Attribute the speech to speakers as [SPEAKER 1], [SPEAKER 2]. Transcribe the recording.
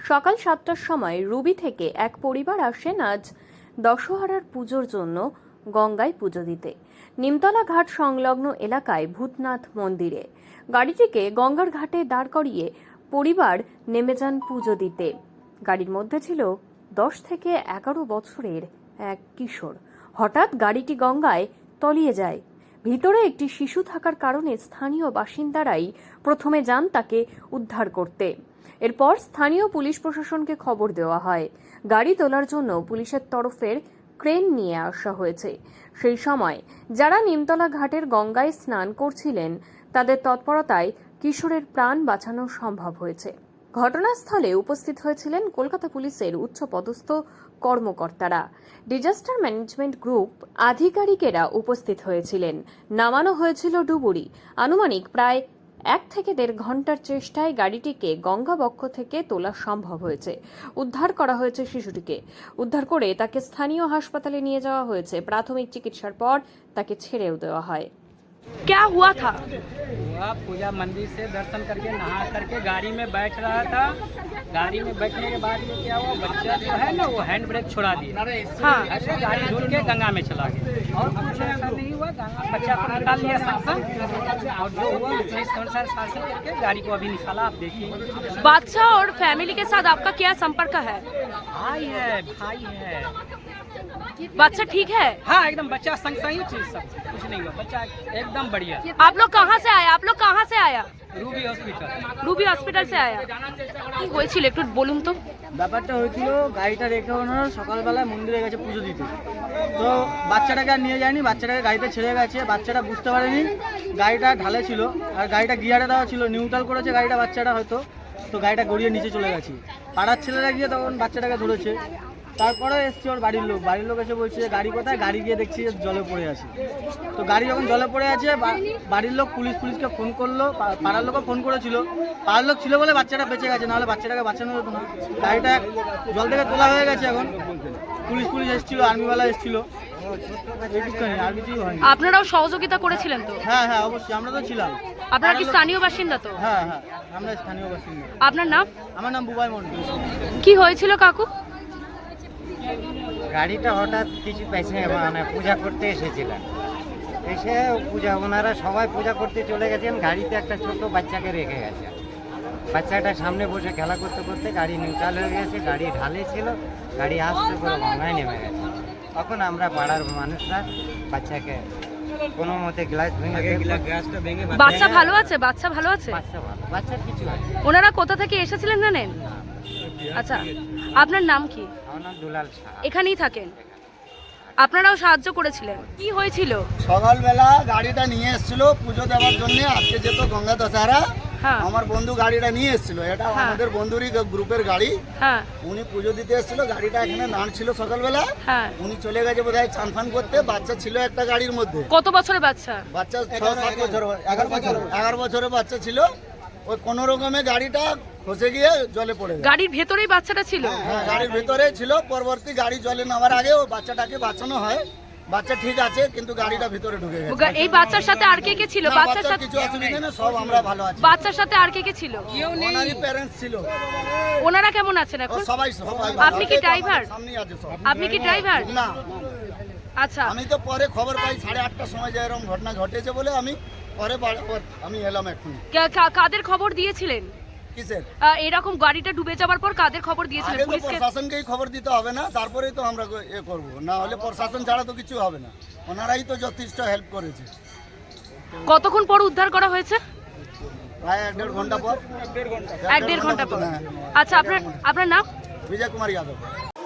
[SPEAKER 1] সকাল 7টার সময় রুবি থেকে এক পরিবার আসেন আজ দশহরার পুজোর জন্য গঙ্গায় পুজো দিতে। নিমতলা ঘাট সংলগ্ন এলাকায় ভূতনাথ মন্দিরে গাড়িটিকে গঙ্গার ঘাটে দাঁড় করিয়ে পরিবার নেমে যান পুজো দিতে। গাড়ির মধ্যে ছিল 10 থেকে 11 বছরের এক কিশোর। হঠাৎ গাড়িটি গঙ্গায় তলিয়ে যায়। ভিতরে একটি শিশু থাকার কারণে স্থানীয় বাসিন্দারাই প্রথমে যান তাকে উদ্ধার করতে। এরপর স্থানীয় পুলিশ প্রশাসনকে খবর দেওয়া হয়। গাড়ি তোলার জন্য পুলিশের তরফের ক্রেন নিয়ে আসা হয়েছে। সেই সময় যারা নিমতলা ঘাটের গঙ্গায় স্নান করছিলেন তাদের তৎপরতায় কিশোরের প্রাণ বাঁচানো সম্ভব হয়েছে। ঘটনাস্থলে উপস্থিত হয়েছিলেন কলকাতা পুলিশের উচ্চপদস্থ কর্মকর্তারা। ডিজাস্টার ম্যানেজমেন্ট গ্রুপ আধিকারিকেরা উপস্থিত হয়েছিলেন। নামানো হয়েছিল ডুবুরি। আনুমানিক প্রায় 1 থেকে 1.5 ঘন্টার চেষ্টায় গাড়িটিকে গঙ্গা বক্ষ থেকে তোলা সম্ভব হয়েছে। উদ্ধার করা হয়েছে শিশুটিকে। উদ্ধার করে তাকে স্থানীয় হাসপাতালে নিয়ে যাওয়া হয়েছে। প্রাথমিক চিকিৎসার পর তাকে ছেড়েও দেওয়া হয়।
[SPEAKER 2] क्या हुआ था?
[SPEAKER 3] हुआ पूजा मंदिर से दर्शन करके नहा करके गाड़ी में बैठ रहा था। गाड़ी में बैठने के बाद ये क्या हुआ, बच्चा जो है ना वो हैंड ब्रेक छोड़ा दिया।
[SPEAKER 2] हाँ।
[SPEAKER 3] ऐसे गाड़ी ढूंढ के गंगा में चला गया और कुछ ऐसा नहीं हुआ। गंगा बच्चा को निकाल लिया शासन और जो हुआ पुलिस अनुसार शासन करके गाड़ी को अभी निकाला। आप देखिए
[SPEAKER 2] बादशाह और फैमिली के साथ आपका क्या संपर्क है?
[SPEAKER 3] भाई है, भाई है।
[SPEAKER 2] बच्चा ठीक है?
[SPEAKER 3] हाँ एकदम बच्चा संग सही चीज सब कुछ नहीं हुआ, बच्चा एकदम बढ़िया।
[SPEAKER 2] आप लोग कहाँ से आया? आप लोग कहाँ से आया?
[SPEAKER 3] Ruby hospital.
[SPEAKER 2] রুবি হসপিটাল से आया। কি হয়েছিল একটু বলুন তো।
[SPEAKER 4] ব্যাপারটা হয়েছিল, গাড়িটা রেখে ওনারা সকালবেলায় মন্দিরে গেছে পুজো দিতে। তো বাচ্চাটাকে আর নিয়ে যায়নি, বাচ্চাটাকে গাড়িতে ছেড়ে গেছে। বাচ্চাটা বুঝতে পারেনি গাড়িটা ঢালে ছিল আর গাড়িটা গিয়ারে দেওয়া ছিল, নিউট্রাল করেছে গাড়িটা বাচ্চাটা হয়তো, তো গাড়িটা গড়িয়ে নিচে চলে গেছে। পাড়ার ছেলেরা গিয়ে তখন বাচ্চাটাকে ধরেছে। তারপরে এসছে ওর বাড়ির লোক এসে বলছে যে গাড়ি কোথায়, গাড়ি গিয়ে দেখছি যে জলে পড়ে আছে। তো গাড়ি যখন জলে পড়ে আছে বাড়ির লোক পুলিশকে ফোন করলো, পাড়ার লোকও ফোন করেছিল। পাড়ার লোক ছিল বলে বাচ্চাটা বেঁচে গেছে, নাহলে বাচ্চাটাকে বাঁচানো যেত না। গাড়িটা জল থেকে তোলা হয়ে গেছে। এখন পুলিশ এসেছিল, আর্মিওয়ালা এসেছিল, আর কিছুই হয়নি।
[SPEAKER 2] আপনারাও সহযোগিতা করেছিলেন তো?
[SPEAKER 4] হ্যাঁ অবশ্যই, আমরা তো ছিলাম।
[SPEAKER 2] আপনারা কি স্থানীয় বাসিন্দা তো?
[SPEAKER 4] হ্যাঁ আমরা স্থানীয় বাসিন্দা।
[SPEAKER 2] আপনার নাম?
[SPEAKER 4] আমার নাম বুবাই মন্ডল।
[SPEAKER 2] কি হয়েছিল কাকু?
[SPEAKER 5] গাড়িটা হঠাৎ কিছু মানে পূজা করতে এসেছিলেন, এসে ওনারা সবাই পূজা করতে চলে গেছেন। গাড়িতে একটা ছোট বাচ্চাকে রেখে গেছে। বাচ্চাটা সামনে বসে খেলা করতে করতে গাড়ি নিউট্রাল হয়ে গেছে, গাড়ি ঢালে ছিল, গাড়ি আস্তে করে গঙ্গায় নেমে গেছে। তখন আমরা পাড়ার মানুষরা বাচ্চাকে কোনো মতে গ্লাস ভেঙে
[SPEAKER 2] বাচ্চা ভালো আছে? বাচ্চা ভালো আছে?
[SPEAKER 5] বাচ্চার কিছু হয়।
[SPEAKER 2] ওনারা কোথা থেকে এসেছিলেন জানেন? আচ্ছা, আপনার নাম কি?
[SPEAKER 5] আমার নাম দুলাল শাহ।
[SPEAKER 2] এখানেই থাকেন? আপনারাও সাহায্য করেছিলেন? কি হয়েছিল?
[SPEAKER 6] সকালবেলা গাড়িটা নিয়ে এসেছিল পুজো দেওয়ার জন্য। আজকে যেত গঙ্গা দশহরা,
[SPEAKER 2] হ্যাঁ
[SPEAKER 6] আমার বন্ধু গাড়িটা নিয়ে এসেছিল। এটা আমাদের বন্ধুরই গ্রুপের গাড়ি।
[SPEAKER 2] হ্যাঁ
[SPEAKER 6] উনি পুজো দিতে এসেছিল, গাড়িটা এখানে দাঁড় ছিল সকালবেলা।
[SPEAKER 2] হ্যাঁ।
[SPEAKER 6] উনি চলে গেছে বোধহয় চান ফান করতে। বাচ্চা ছিল একটা গাড়ির মধ্যে।
[SPEAKER 2] কত বছরের বাচ্চা?
[SPEAKER 6] বাচ্চা 6-7 বছর, 11 বছরের বাচ্চা ছিল। ওই কোনো রকমে গাড়িটা খসে গিয়ে জলে পড়ে গেছে।
[SPEAKER 2] গাড়ির ভেতরেই বাচ্চাটা ছিল?
[SPEAKER 6] হ্যাঁ গাড়ির ভেতরে ছিল। পরবর্তী গাড়ি জলে নামার আগে ওই বাচ্চাটাকে বাঁচানো হয়। বাচ্চা ঠিক আছে, কিন্তু গাড়িটা ভিতরে ঢুকে গেছে।
[SPEAKER 2] এই বাচ্চার সাথে আর কে কে ছিল?
[SPEAKER 6] না,
[SPEAKER 2] বাচ্চার
[SPEAKER 6] বাচ্চার
[SPEAKER 2] সাথে
[SPEAKER 6] কিছু অসুবিধা নেই, সব আমরা ভালো আছি।
[SPEAKER 2] বাচ্চার সাথে আর কে কে ছিল?
[SPEAKER 6] ওনারই প্যারেন্টস ছিল।
[SPEAKER 2] ওনারা কেমন আছেন এখন?
[SPEAKER 6] সবাই
[SPEAKER 2] আপনি কি ড্রাইভার?
[SPEAKER 6] সামনেই আছে সব।
[SPEAKER 2] আপনি কি ড্রাইভার?
[SPEAKER 6] না,
[SPEAKER 2] আচ্ছা,
[SPEAKER 6] আমি তো পরে খবর পাই 8:30টার সময় যে এরকম ঘটনা ঘটেছে বলে আমি পরে আমি এলাম এখন।
[SPEAKER 2] কাদের খবর দিয়েছিলেন?
[SPEAKER 6] কিসের?
[SPEAKER 2] এরকম গাড়িটা ডুবে যাওয়ার পর কাদের খবর দিয়েছিলেন?
[SPEAKER 6] আগে তো
[SPEAKER 2] পুলিশকে?
[SPEAKER 6] প্রশাসনকেই খবর দিতে হবে না, তারপরেই তো আমরা করব। না হলে প্রশাসন ছাড়া তো কিছু হবে না। ওনারাই তো যথেষ্ট হেল্প করেছে।
[SPEAKER 2] কতক্ষণ পর উদ্ধার করা হয়েছে?
[SPEAKER 6] প্রায় 1.5 ঘন্টা পর।
[SPEAKER 2] 1.5 ঘন্টা পর।
[SPEAKER 6] হ্যাঁ।
[SPEAKER 2] আচ্ছা, আপনার নাম?
[SPEAKER 6] বিজয় কুমার যাদব।